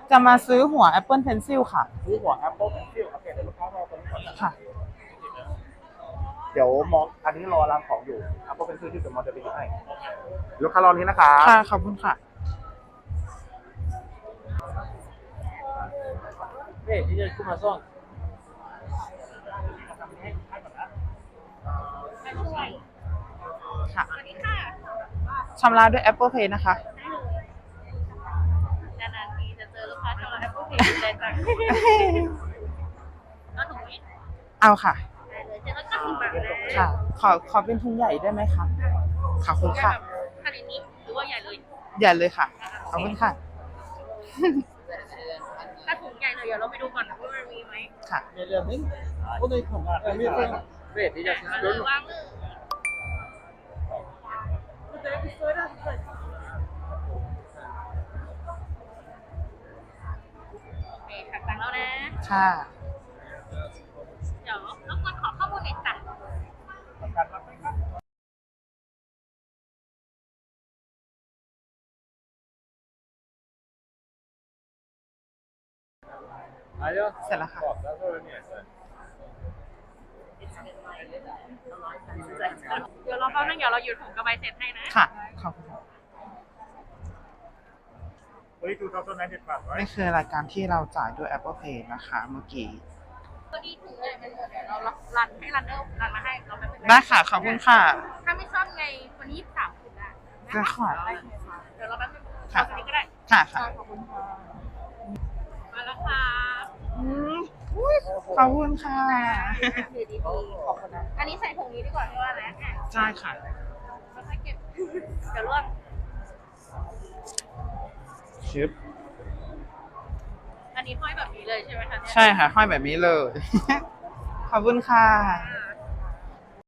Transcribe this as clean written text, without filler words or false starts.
จะมาซื้อหัว Apple Pencil ค่ะซื้อหัว Apple Pencil โอเคเดี๋ยวลูกค้ารอตรงนี้ก่อนนะค่ะเดี๋ยวมองอันนี้รอรับของอยู่ Apple Pencil ที่เดี๋ยวมองจะไปหยิบให้ลูกค้ารอนี้นะครับค่ะขอบคุณค่ะเฮ้ยที่จะขึ้นมาซ่อนค่ะชำระด้วย Apple Pay นะคะนานๆทีจะเจอลูกค้าชำระ Apple Pay ได้จังเอาถุงนี้เอาค่ะได้เลย790 บาทนะค่ะ ขอเป็นทุงใหญ่ได้ไหมคะขอบคุณค่ะขนาดนี้หรือว่าใหญ่เลยใหญ่เลยค่ะขอบคุณค่ะถ้าถุงใหญ่เลยเดี๋ยวเราไปดูก่อนว่ามันมีไหมค่ะเรื่องนี้โอ้ยผมมีเรื่องเรทที่จะซื้อรถวางเลยโอเคค่ะตังค์แล้วนะค่ะเดี๋ยวรบกวนขอข้อมูลหน่อยจ้ะเสร็จแล้วค่ะเดี๋ยวรอแป๊บนึงเดี๋ยวเราหยุดถุงกระบายเสร็จให้นะค่ะขอบคุณค่ะ 2095 นี่คือรายการที่เราจ่ายด้วย Apple Pay นะคะเมื่อกี้พอดีถุงใหญ่มันหมดเดี๋ยวเรารันให้รันเนอร์รันมาให้เราแป๊บนึงได้ค่ะขอบคุณค่ะถ้าไม่ชอบไงวันนี้23ถุงนะจะขอเดี๋ยวเราแป๊บนึงค่ะตัวนี้ก็ได้ค่ะค่ะขอบคุณค่ะมาแล้วค่ะขอบคุณค่ะดีขอบคุณนะอันนี้ใส่ถุงนี้ดีกว่าที่ว่านะใช่ค่ะไม่ค่อยเก็บเดี๋ยวร่วงชิปอันนี้ห้อยแบบนี้เลยใช่ไหมคะใช่ค่ะห้อยแบบนี้เลย ขอบคุณค่ะ